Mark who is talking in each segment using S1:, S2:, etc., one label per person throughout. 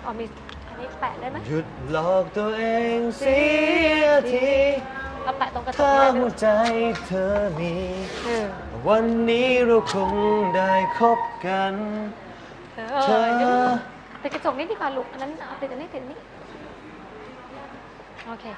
S1: อ๋อมีอันนี้แปะได้ไหม
S2: หยุดหลอกตัวเองเสียที
S1: เราแปะตรงกระจก
S2: ถ้า
S1: นี้ได้ไหม
S2: หัวใจเธอมี
S1: เออ
S2: วันนี้เราคงได้คบกัน เธอ
S1: ติดกระจกนี้ดีกว่าลูกอันนั้นเอาติดอันนี้ติดอันนี้โอเค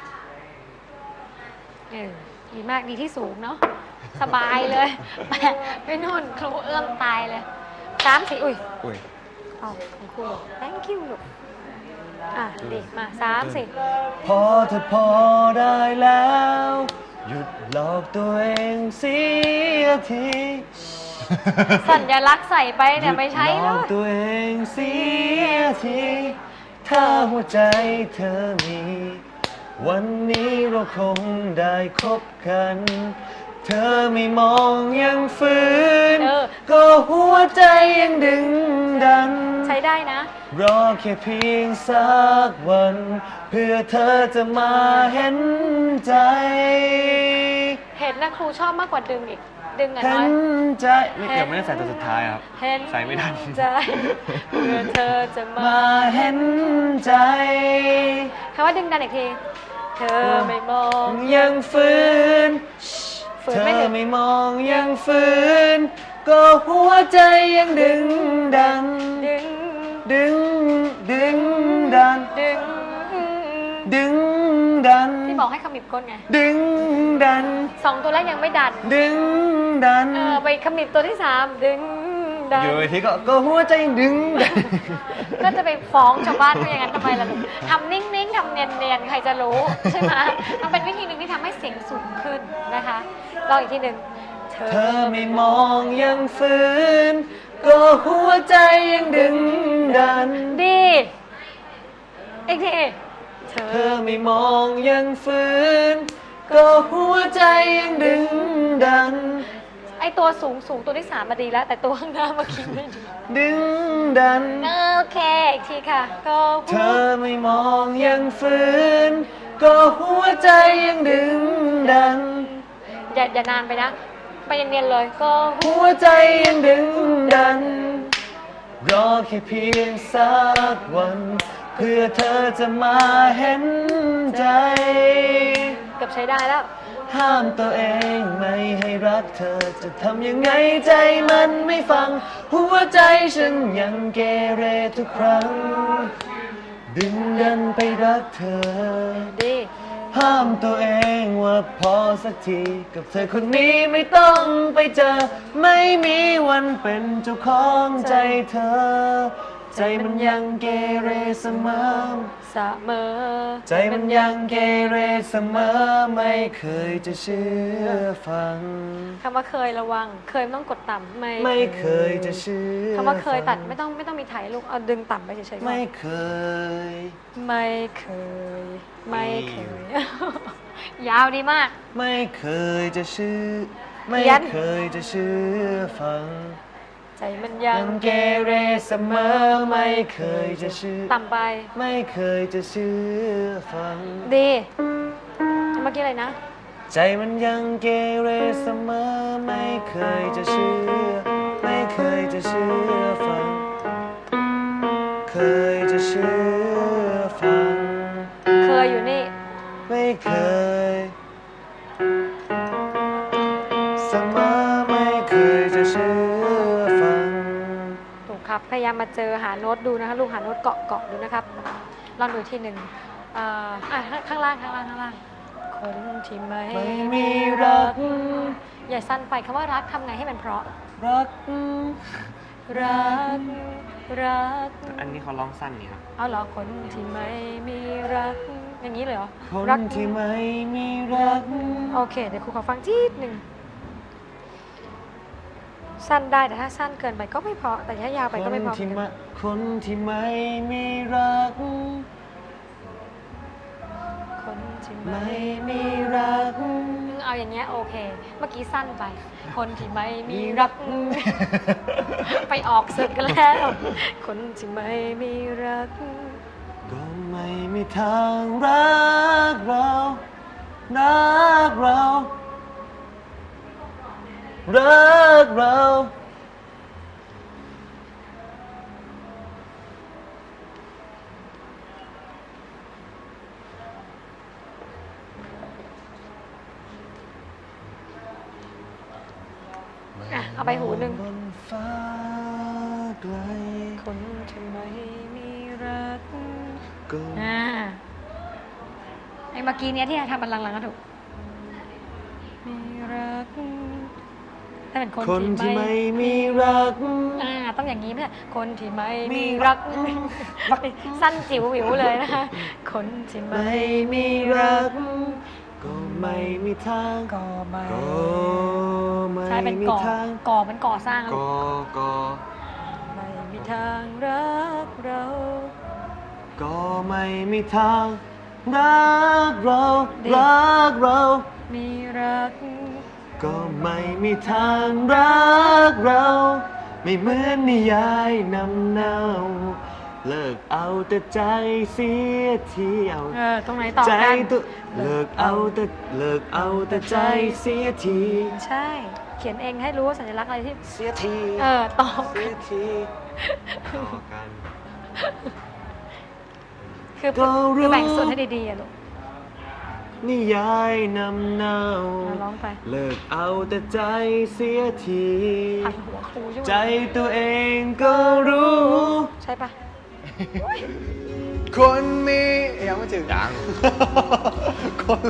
S1: ดีมากดีที่สูงเนาะสบายเลยไม่นุ่นครูเอื้อมตายเลย3 4อุ้ย
S2: อุ้ย
S1: เอาของครู thank you ลูกดีมา3 4
S2: พอเธอพอได้แล้ว หยุดหลอกตัวเองเสียที
S1: สัญลักษณ์ใส่ไปเนี่ยไม่ใช่
S2: หยุดห
S1: เล
S2: ลอก
S1: ย
S2: ตัวเองเสียทีถ้าหัวใจเธอมี วันนี้เราคงได้คบกัน เธอไม่มองยังฝืน ก็หัวใจยังดึงดัน
S1: ใช้ได้นะ
S2: รอแค่เพียงสักวัน เพื่อเธอจะมาเห็นใจ
S1: เห็นนะครูชอบมากกว่าดึงอีก ดึงอ่ะ
S2: เห็
S1: น้อย
S2: นใจยังไม่ได้ใส่ตัวสุดท้ายครับ
S1: เห็น
S2: ใส่ไม่ทัน
S1: ใจเพื่อเธอจะมา
S2: มาเห็นใจ
S1: คำว่าดึงดันอีกที เธอไม่มอง
S2: ยังฝืน
S1: ฝื
S2: เธ
S1: นไม่
S2: อ
S1: ถึง
S2: ไม่มองยังฝืน ก็หัวใจยังดึงดัน
S1: ดึง
S2: ดึงดัน
S1: ดึง
S2: ดึงดัน
S1: ที่บอกให้ขมิบก้นไง
S2: ดึงดัน
S1: 2 ตัวแรกยังไม่ดัน
S2: ดึงดัน
S1: ไปขมิบตัวที่ 3 ดึงดัน
S2: อยู่ทีก็หัวใจดึงดัน
S1: ก็จะไปฟ้องชาวบ้านว่าอย่างนั้นทำไมล่ะลูกทำนิ่งๆทำเนียนๆใครจะรู้ใช่ไหมมันเป็นวิธีหนึ่งที่ทำให้เสียงสูงขึ้นนะคะลองอีกทีหนึ่ง
S2: เธอไม่มองยังฝืน ก็หัวใจยังดึงดัน
S1: ดีอีกทีเธ
S2: เธอไม่มองยังฝืน ก็หัวใจยังดึงดัน
S1: ไอตัวสูงตัวที่ 3มาดีแล้ว แต่ตัวข้างหน้าเมื่อกี้ไม่ดี
S2: ดึงดัน
S1: โอเคอีกทีค่ะก็
S2: เธอไม่มองยังฝืน ก็หัวใจยังดึงดัน
S1: อย่านานไปนะ ไปเนียนๆเลยก็
S2: หัวใจยังดึงดัน รอแค่เพียงสักวัน เพื่อเธอจะมาเห็นใจ
S1: เกือบใช้ได้แล้ว
S2: ห้ามตัวเองไม่ให้รักเธอ จะทำยังไงใจมันไม่ฟัง หัวใจฉันยังเกเรทุกครั้ง ดึงดันไปรักเธอ
S1: ดี
S2: ห้ามตัวเองว่าพอสักทีกับเธอคนนี้ไม่ต้องไปเจอ ไม่มีวันเป็นเจ้าของใจเธอ ใจมันยังเกเรเสมอ
S1: เสมอ
S2: ใจมันยังเกเรเสมอ ไม่เคยจะเชื่อฟัง
S1: คำว่าเคยระวัง เคยไม่ต้องกดต่ำ
S2: ไม่เคยจะเชื่อ
S1: คำว่าเคยตัดไม่ต้องมีถ่ายลูกเอาดึงต่ำไปเฉยๆ
S2: ไม่เคย
S1: ไม่เคย ไม่เคย ยาวดีมาก
S2: ไม่เคยจะเชื่อ ไม่
S1: เขียน
S2: เคยจะเชื่อฟัง
S1: ใจมันยั
S2: ยัง งเกเรเสมอ ไม่เคยจะเชื่อ
S1: ต่ำไป
S2: ไม่เคยจะเชื่อฟัง
S1: ดีเมื่อกี้อะไรนะ
S2: ใจมันยังเกเรเสมอ ไม่เคยจะเชื่อ ไม่เคยจะเชื่อฟัง เคยจะเชื่อฟัง
S1: เคยอยู่นี่
S2: ไม่เคยเสมอ ไม่เคยจะเชื่อฟัง
S1: ถูกครับ พยายามมาเจอหาโน้ตดูนะคะลูกหาโน้ตเกาะดูนะครับ ลองดูทีหนึ่งข้างล่าง คนที่ไม่
S2: ไม่มีรัก
S1: อย่าสั้นไปคำว่ารักทำไงให้มันเพราะ
S2: รัก
S1: รัก รัก
S3: อันนี้เขาร้องสั้นนี่ครับ
S1: เอาเหรอคนที่ไม่มีรัก อย่างนี้เลยเหรอ
S2: คน
S1: รัก
S2: ที่ไม่มีรัก
S1: โอเค เดี๋ยวครูขอฟังทีหนึ่งสั้นได้แต่ถ้าสั้นเกินไปก็ไม่เพราะแต่ถ้ายาวไปก็ไม่เพราะเหมือนกัน
S2: คนที่ไม่มีรัก
S1: คนที่
S2: ไม่
S1: ไม่
S2: มีรัก
S1: เอาอย่างเงี้ยโอเค เมื่อกี้สั้นไป คนที่ไม่มีรัก ไปออกศึกกันแล้ว คนที่ไม่มีรัก
S2: ก็ไม่มีทางรักเรารักเรา รักเรา
S1: เอาไปหูหนึ่ง
S2: บนฟ้าไกล
S1: คนที่ไม่มีรัก
S2: ก็
S1: ไอ้เมื่อกี้เนี้ยที่ทำบันลังก์ก็ถูกมีรักถ้าเป็นคน
S2: คนที่
S1: ที่
S2: ไม่
S1: ไม่
S2: มีรัก
S1: ต้องอย่างนี้ไม่ใช่คนที่ไม่มีรัก สั้นจิ๋ววิวเลยนะคะ คนที่ไม่
S2: ไม่มีรัก ก็ไม่มีทาง
S1: ก็ไม่
S2: ก็ไม่
S1: ใช่เป็น
S2: มี
S1: ก่อ
S2: ทาง
S1: ก่อมันก่อสร้าง
S2: ก็
S1: ไม่มีทางรักเรา
S2: ก็ไม่มีทางรักเรารักเรา
S1: มีรัก
S2: ก็ไม่มีทางรักเรา ไม่เหมือนนิยายนำเนาเลิกเอาแต่ใจเสียทีเอา
S1: ตรงไหนต่อ
S2: ใจ
S1: กัน
S2: ตัวเลิกเอาแต่ใจเสียที
S1: ใช่ เขียนเองให้รู้ว่าสัญลักษณ์อะไรที่
S2: เสียที
S1: ตอบ
S2: เสียทีต่อกัน
S1: คือ
S2: ก็รู้
S1: แบ่งส่วนให้ดีๆอะลูก
S2: นิยายนำเนา
S1: ร้องไป
S2: เลิกเอาแต่ใจเสียที
S1: ผัดหัวครูใช่ไหม
S2: ใจตัวเองก็รู้
S1: ใช่ปะ
S2: คนมียังไม่ถึงยัง คน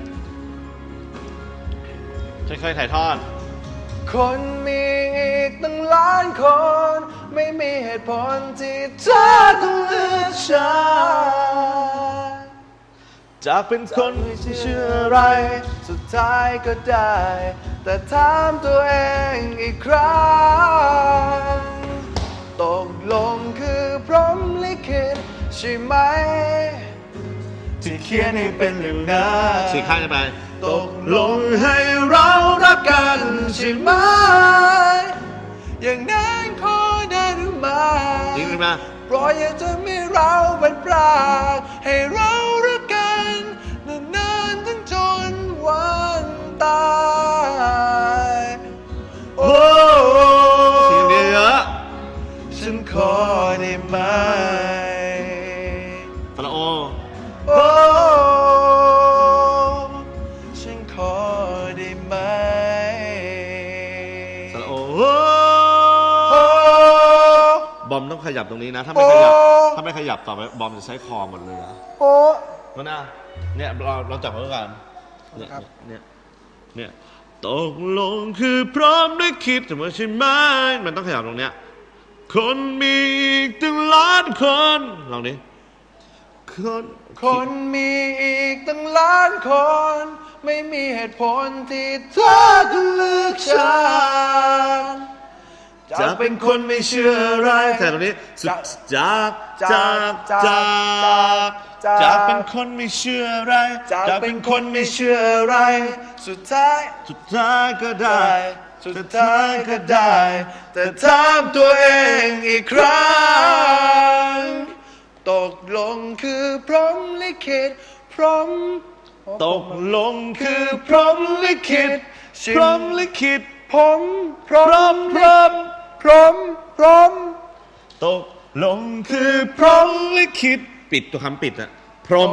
S2: ฉันเคยถ่ายทอด คนมีอีกตั้งล้านคน ไม่มีเหตุผลที่เธอต้องเลือกฉันจะเป็นคนที่เชื่ออะไร สุดท้ายก็ได้ แต่ถามตัวเองอีกครั้งตกลงคือพรหมลิขิตใช่ไหม ที่เขียนให้เป็นเรื่องนั้นสี่ข้างจะไปตกลงให้เรารักกันใช่ไหม อย่างนั้นขอได้หรือไม่จริงหรือเปล่าเพราะอยากจะมีเราเป็นปลากให้เรารักกันนานๆถึงจนวันตายโอ้เสียงเยอะฉันขอได้ไหมตะละโอโอ้ฉันขอได้ไหมตะละโอบอมต้องขยับตรงนี้นะ ถ้าไม่ขยับต่อไปบอมจะใช้คอหมดเลยนะโอ้มันนะเนี่ยเราจับมือกันเนี่ยตกลงคือพร้อมได้คิดแต่ว่าใช่ไหมมันต้องขยับตรงเนี้ยคนมีอีกตั้งล้านคนลองดิคนมีอีกตั้งล้านคน ไม่มีเหตุผลที่เธอต้องเลือกฉันจะเป็นคนไม่เชื่ออะไรแต่ตรงนี้จะเป็นคนไม่เชื่ออะไรจะเป็นคนไม่เชื่ออะไรสุดท้ายก็ได้แต่ถามตัวเองอีกครั้งตกลงคือพรหมลิขิตตกลงคือพรหมลิขิตผมพร้อมตกลงคือพรหมลิขิตปิดตัวคำปิดอะพรหม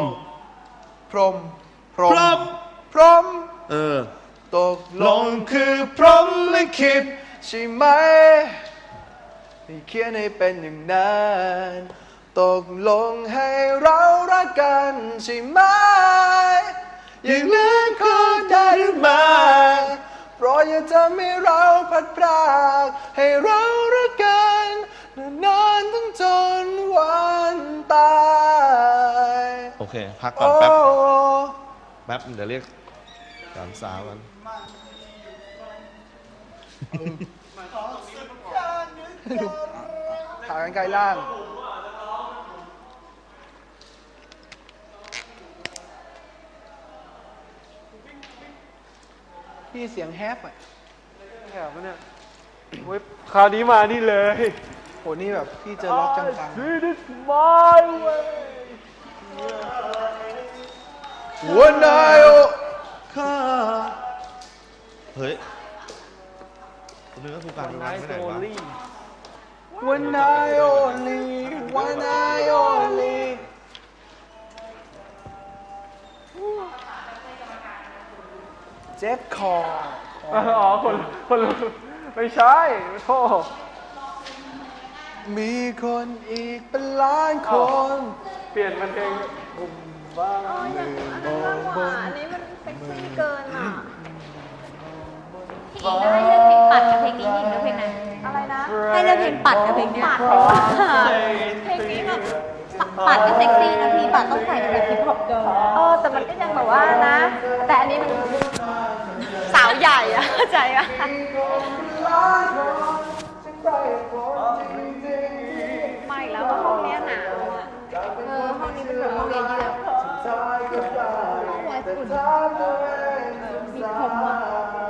S2: ตกลงคือพรหมลิขิตใช่ไหมที่เขียนให้เป็นอย่างนั้นตกลงให้เรารักกันใช่ไหมอย่างนั้นขอได้หรือไม่เพราะอยากจะมีเราพัดพรากให้เรารักกันนานๆถึงจนวันตายโอเคพักก่อนแป๊บเดี๋ยวเรียกสามสาวกันขากันไกลล่างพี่เสียงแฮปอ่ะแฮปเนี่ยเว้ยคราวนี้มานี่เลยโหนี่แบบพี่เจอล็อกจังๆ This is my way หัวนายโอข้าเฮ้ยเนื้อผู้การไม่ไหนวะ One night only One night only เจ็บคอ
S3: อ๋อคน
S2: ไม่ใช่โทษมีคนอีกเป็นล้านคน เปลี่ยนมันเพลงบุมบ้า
S3: อ๋ออย่างอันนั้นมากกว่าอันนี้มันเซ็กซี่เกินอ่ะ
S1: พี่อิงให้เลือกเพลงปัดกับเพลงนี้พี่อิงเลือกเพลงไหน
S3: อะไรนะ
S1: ให้เลือกเพลงปัดกับเพลงเนี้ย
S3: ปัดเพลงนี้แบบ
S1: ปัดก็เซ็กซี่นะพี่ปัดต้องใส่แบบฮิปฮอปเกิร์ล
S3: แต่มันก็ยังแบบว่านะ แต่อันนี้มันสาวใหญ่อะเข้าใจปะไม่แล้วว่าห้องเนี้ยหนาวอะห้องนี้เป็นแบบห้องเยือกห้องไว้ฝุ่นมีคมว่ะ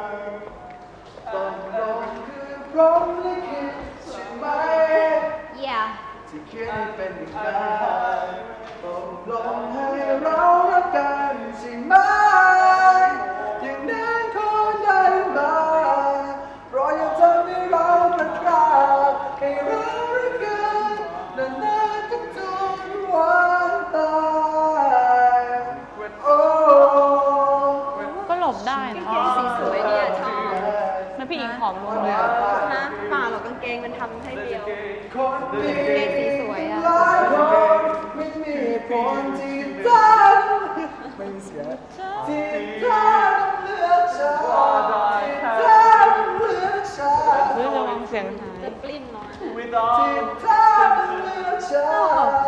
S1: yeah
S2: ที่คิดให้เป็นอย่างนั้นตกลงให้เรารักกันใช่ไหมอย่างนั้นขอได้ไหมรออย่าทำให้เราพลาดพลาดให้เรารักกันนานๆจนวันตายโอ้
S4: ก็หลบได้นะ
S3: สีสวยเนี่ยชอบ
S4: แล้วพี่อิงผอมลงเลยอะ
S3: นะป่าหรอกกางเกงมันทำให้เดียว
S2: คนดี
S3: กางเกงสีสวยอะ
S2: หลายคนไม่มีผลที่ตั้งไม่เสียที่ตั้งเลือกฉันที่ตั้งเลือกฉัน
S4: เฮ้ยระวังเสียงหาย
S3: จะปลิ้นหน่อย
S2: ที่ตั้งเลือกฉัน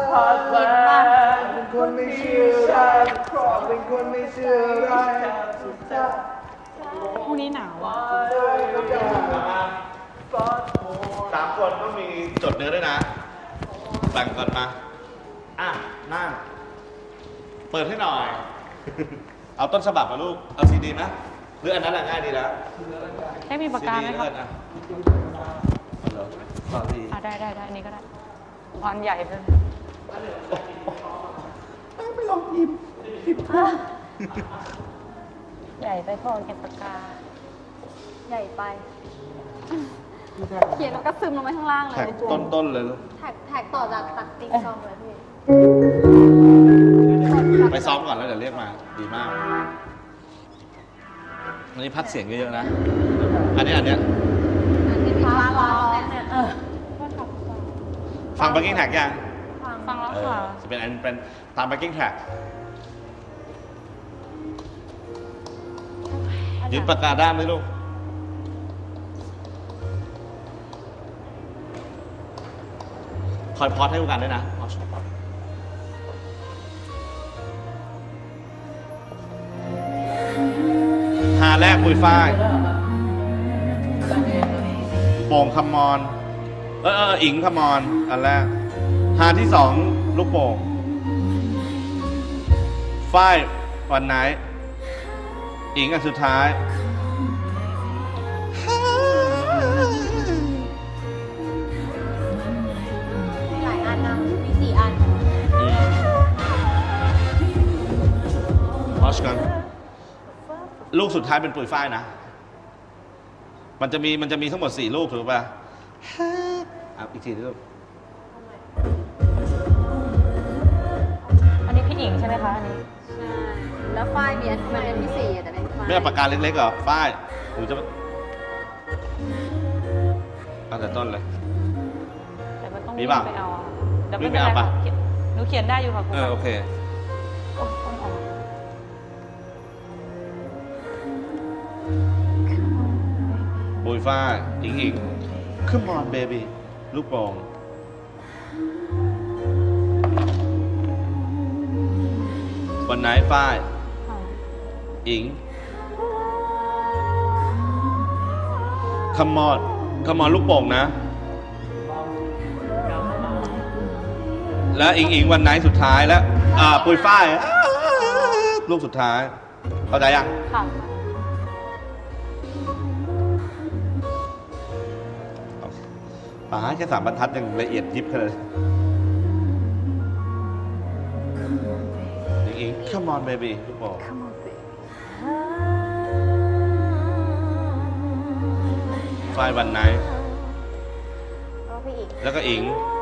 S2: เป็นคนไม่เชื่ออะไรเป็นคนไม่เชื่ออะไรสุดท้าย
S4: พรุ่งนี้หนาวอ่ะ
S5: สามคนต้องมีจดเนื้อด้วยนะแบ่งกันมา อ่ะ นั่ง เปิดให้หน่อย เอาต้นฉบับมาลูก เอาซีดีไหมหรืออันนั้นแหละง่ายดีแล้ว
S4: ให้มีปากกาไหม
S5: ซีดี
S4: ครับ
S5: แล้วกันอ่ะฟังดี
S4: ได้อันนี้ก็ได้ความใหญ่เลย
S5: ไม่ลองยิ้ม
S4: ใหญ่ไปพอเก็บปากกา
S3: ใหญ่ไป เขียนแล้วก็ซึมลงไปข้างล่างเลย
S5: แท็กต้นๆเลยลูก
S3: แท็กต่อจากตัดติ๊กซองเลยพี่
S5: ไปซ้อมก่อนแล้วเดี๋ยวเรียกมา ดีมาก อันนี้พัดเสียงเยอะๆนะ อันเนี้ย
S3: อันที่ฟ้าร้องเนี่ย
S5: ฟัง backing track ยัง
S4: ฟังแล้ว
S5: เออ
S4: ค่ะ
S5: จะเป็นตาม backing track ยึดปากกาด้ามไหมลูก คอยพอดให้ดูกันด้วยนะพอดหาแรกปุยฝ้ายโป่งคำมอนอิงคำมอนอันแรกหาที่สองลูกโป่งฝ้ายวันไหนอิงอันสุดท้าย
S3: หลายอันนะมี4 อัน
S5: วอชกันลูกสุดท้ายเป็นปุยฝ้ายนะ มันจะมีทั้งหมด4 ลูกถูกป่ะอีกทีลูก
S4: อันนี้พี่อิงใช่ไหมคะอันนี้
S3: ใช่ แล้วฝ้ายมีอันมันเป็นที่4แต่เป็นฝ้าย
S5: ไม่เอาปากกาเล็กๆเหรอฝ้ายหนูจะเอาแต่ต้นเลย
S4: แต่มันต้อง
S5: มี
S4: วิ่ง
S5: เปล่า
S4: ไปเอาอะเดี๋ยว
S5: วิ่
S4: ไม่
S5: ง
S4: เป็น
S5: ไป
S4: ไร
S5: เอา
S4: ค่ะ
S5: ปะ
S4: หนูเขียนได้อยู่ค่ะครู
S5: โอเค
S4: โอ้ต้องออก
S5: ปุยฝ้ายอิง Come on baby ลูกโป่งวันไหนฝ้าย
S4: ค่ะ
S5: อิง Come on ลูกโป่งนะ แล้วอิงวันไหนสุดท้ายแล้วปุยฝ้ายลูกสุดท้ายเข้าใจยัง
S4: ค่ะ
S5: ป๋าแค่3 บรรทัดยังละเอียดยิบขนาดอิง Come on baby ลูกโป่งฝ้ายวันไหน
S3: แล้วพี่อีก
S5: แล้วก็อิง
S3: เ